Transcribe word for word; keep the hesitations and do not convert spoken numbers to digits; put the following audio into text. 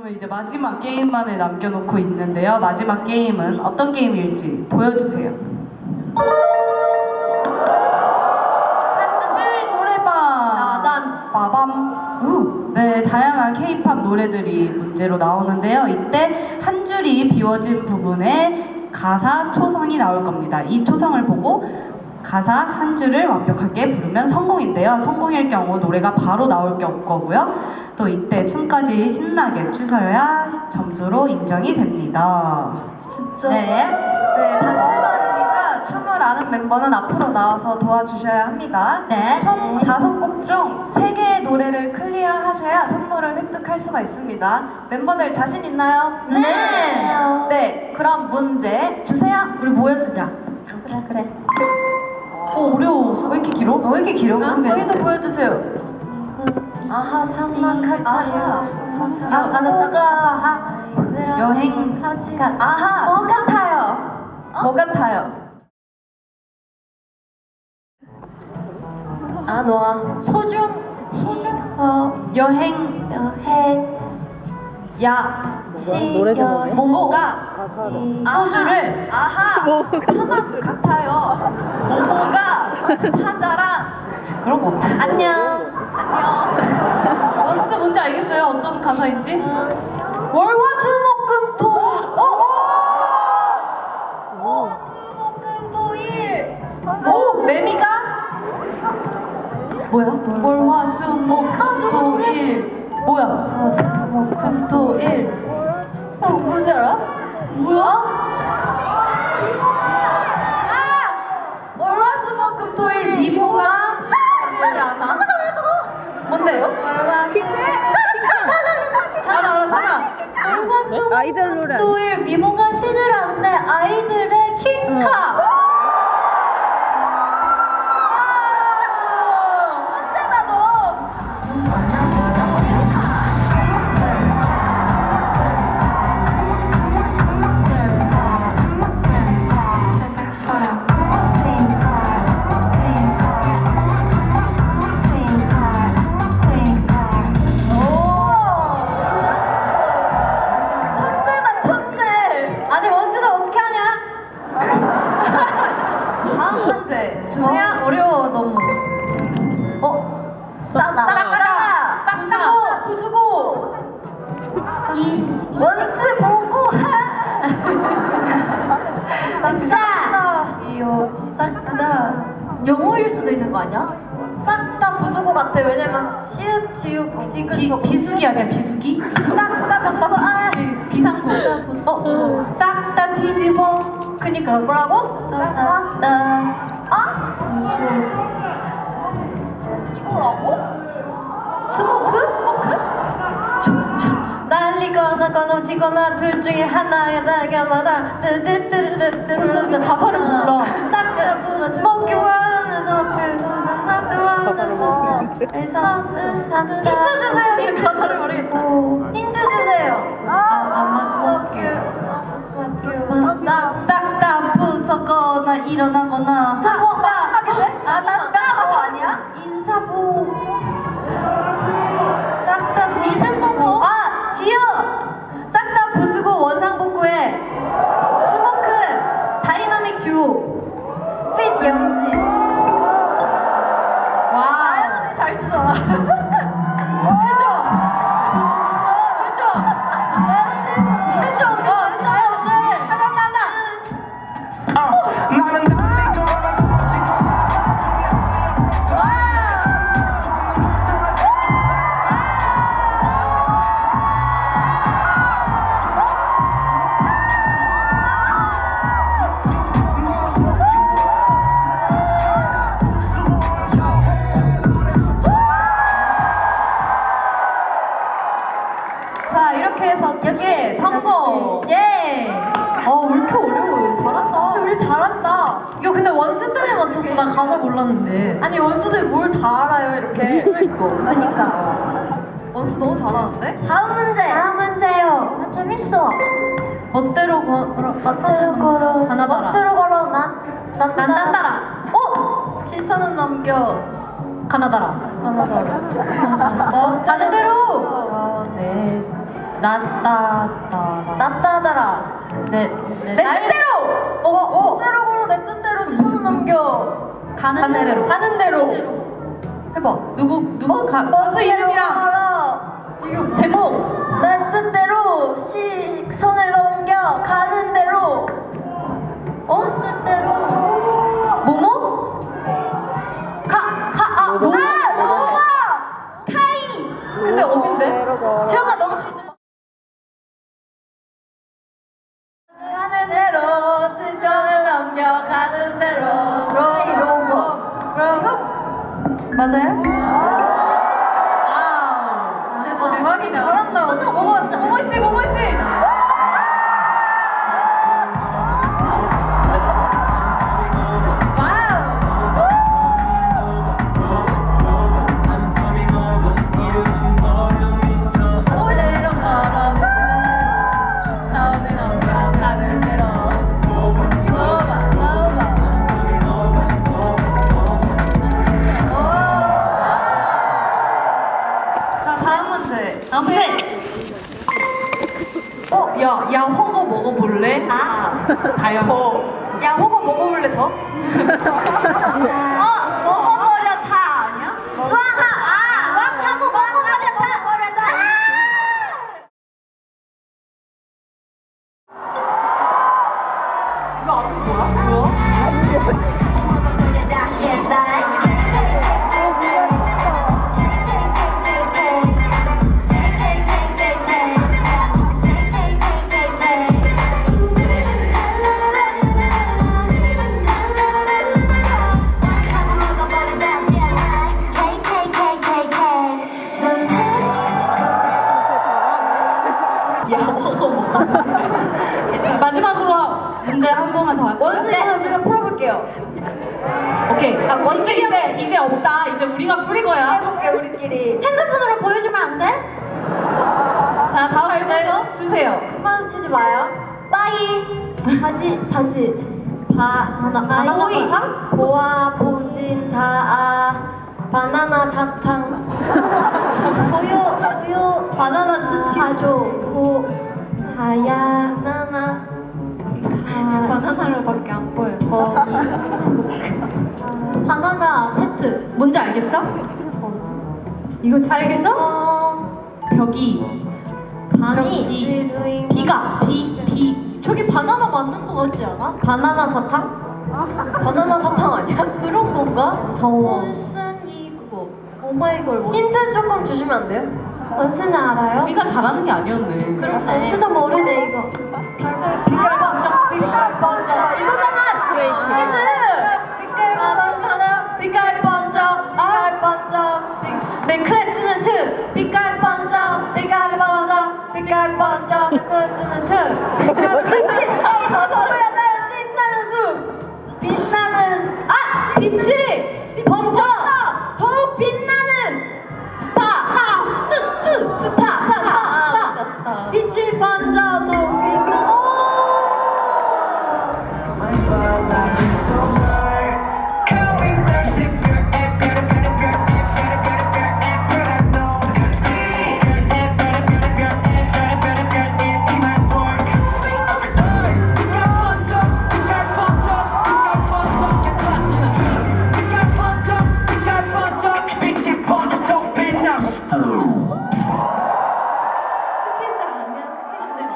그러면 이제 마지막 게임만을 남겨놓고 있는데요. 마지막 게임은 어떤 게임일지 보여주세요. 한 줄 노래방. 나단. 빠밤. 우. 네, 다양한 K-팝 노래들이 문제로 나오는데요. 이때 한 줄이 비워진 부분에 가사 초성이 나올 겁니다. 이 초성을 보고 가사 한 줄을 완벽하게 부르면 성공인데요. 성공일 경우 노래가 바로 나올 거고요. 또 이때 춤까지 신나게 추셔야 점수로 인정이 됩니다. 진짜? 네. 네, 단체전이니까 춤을 아는 멤버는 앞으로 나와서 도와주셔야 합니다. 네. 총 다섯 곡 중 세 개의 노래를 클리어하셔야 선물을 획득할 수가 있습니다. 멤버들 자신 있나요? 네. 네, 그럼 문제 주세요. 우리 모여 쓰자. 그래, 그래. 어, 어려워. 왜 이렇게 길어? 어, 왜 이렇게 길어? 저희도 보여주세요. 아하, 삼막하타요. 아, 맞아, 잠깐. 여행. 사진. 아하, 뭐 같아요? 뭐 같아요? 아, 너아. 소중. 소중. 어. 여행. 여행. 야. 시. 여. 모모가 소주를. 아하, 사막 같아요. 모모가 사자랑 그런 거 같아. 안녕. 안녕. 원스 뭔지 알겠어요? 어떤 가사인지? 월화수목금토. 어? 어? 월화수목금토일. 오, 매미가? 뭐야? 월화수목금토일. 뭐야? 금토일. 어, 뭔지 알아? 뭐야? 아! 월화수목금토일 미모가 를 아나? 뭔데요? 사나 알아 사나. 아이들 노래. 토일 미모가 쉬질 않네. 아이들의 킹카. 천재다 너. 천재다 천재. 아니, 원수는 어떻게 하냐? 다음 문제 주세요. 어려워, 너무. 어? 싸다. 싹다. 싹다. 부수고. 이. 원스 보고 싹다. 이요. 싹다. 영어일 수도 있는 거 아니야? 싹다 부수고 같아. 왜냐면 시읒 지읒 디귿 비, 비수기 아니야 비수기? 싹다 부수고 아 비상구. 어? 싹 다 뒤집어. 그니까. 뭐라고? 싹다. 아? 이거라고? 스모크? 스모크? 날리거나 건너지거나 둘 중에 하나야 날개마다 뜨뜨뜨르르뜨르르 가사를 몰라. 스모키 원에서 힌트 주세요. 가사를 모르겠다. 힌트 주세요. 아, 아마 스모키 싹 다 부서거나 일어나거나. 자, 뭐 마지막에 돼? 아, 싹다 가서 아니야? 인사부 싹다 인사부 아 지효 싹다 부수고 원상복구해 스모크 다이나믹 듀오 핏 영지. 와. 아연이 잘 쓰잖아. 해줘 해줘 해줘 언니 잘했잖아 언제 하나 하나. 나는 달리거나 넘어지거나 자, 이렇게 해서 두 개 성공. 예. 어, 왜 이렇게 어려워? 잘한다. 우리 잘한다. 이거 근데 원스 때문에 맞췄어. 나 가사 몰랐는데. 아니, 원수들 뭘 다 알아요, 이렇게. 그러니까. 원수 너무 잘하는데? 다음 문제. 다음 문제요. 아, 재밌어. 멋대로 걸어. 멋대로 걸어. 가나다라. 멋대로 걸어, 난. 난, 난 딴따라. 어? 시선은 넘겨. 가나다라. 가나다라. 어, 가는 대로. 어, 네. 나따따라. 나따다라. 네. 내 네. 뜻대로. 어, 어. 뜻대로 걸어 내 뜻대로 시선 넘겨. 가는, 가는 대로. 대로. 가는 대로. 해봐. 누구 누구 가, 어, 가수 이름이랑 알아. 제목. 내 뜻대로 시선을 넘겨 가는 대로. 어? 뜻대로. 뭐뭐? 가가아 노. 아, 노마. 카이. 근데 어딘데? 채영아 너가 가지 마. 가는 대로 시선을 넘겨 가는 대로. 로이로모. 로이로. 맞아요? 아, 대박이다. 잘한다. 모모 모모 씨 모모 씨. 그대로 걸어 시선을 넘겨 가는 대로. 노마 노마. 자, 다음 문제. 아 근데 어, 야, 야, 허거 먹어볼래? 아. 다영. 야, 호거 먹어볼래 더? 어, 먹어버려 다 아니야? 왕하! 아! 왕하고 먹어버려 다! 먹어버려 다! 이거 앞에 뭐야? 뭐야? 야, 허거 먹어. 마지막으로 문제 한 번만 더 할까? 원숭이는 우리가 풀어볼게요. 오케이. 아, 원숭이 이제 이제 없다. 이제 우리가 풀 거야. 해볼게 우리끼리. 핸드폰으로 보여주면 안 돼? 자, 다음 문제 주세요. 마주치지 마요. 빠이. 바지 바지. 바 바나 바나나 사탕? 보아 보진 다아 바나나 사탕. 보요 보요 바나나 스틱. 바조 보 다야 나나. 바나나로밖에 안 보여. 거기. 바나나 세트. 뭔지 알겠어? 이거 진짜 알겠어? 어, 벽이 바니. 비 비가 비 비. 저기 바나나 맞는 거 같지 않아? 바나나 사탕? 바나나 사탕 아니야? 그런 건가? 더워. 원순이 그거. 오마이걸. 힌트 조금 주시면 안 돼요? 원순이 알아요? 우리가 잘하는 게 아니었네. 그런데 원순도 모르네 이거. 빛깔 번쩍 빛깔 번쩍 이거잖아. 힌트. 빛깔 번쩍 빛깔 번쩍 빛깔 번쩍. 내 클래스멘트 빛깔 번쩍 빛깔 번쩍 빛깔 번쩍 내 클래스멘트 빛깔 빛이 더 서로야 나를 빛나는 중 빛나는 아 빛이 번쩍 더욱 빛나는 스타 스타 스타 스타 스타 스타 스타 빛이 번쩍 더욱 빛나는 My spotlight is so bright. Call me sexy girl, eh, better, better, girl, eh, better, better, girl, eh, girl, I know that's me. Eh, better, better, girl, eh, better, better, girl, eh, in my work. 빛깔 번쩍, 빛깔 번쩍, 빛깔 번쩍, your class in a dream. 빛깔 번쩍, 빛깔 번쩍, 빛이 번쩍 더 빛나. 스케줄 아니야 스케줄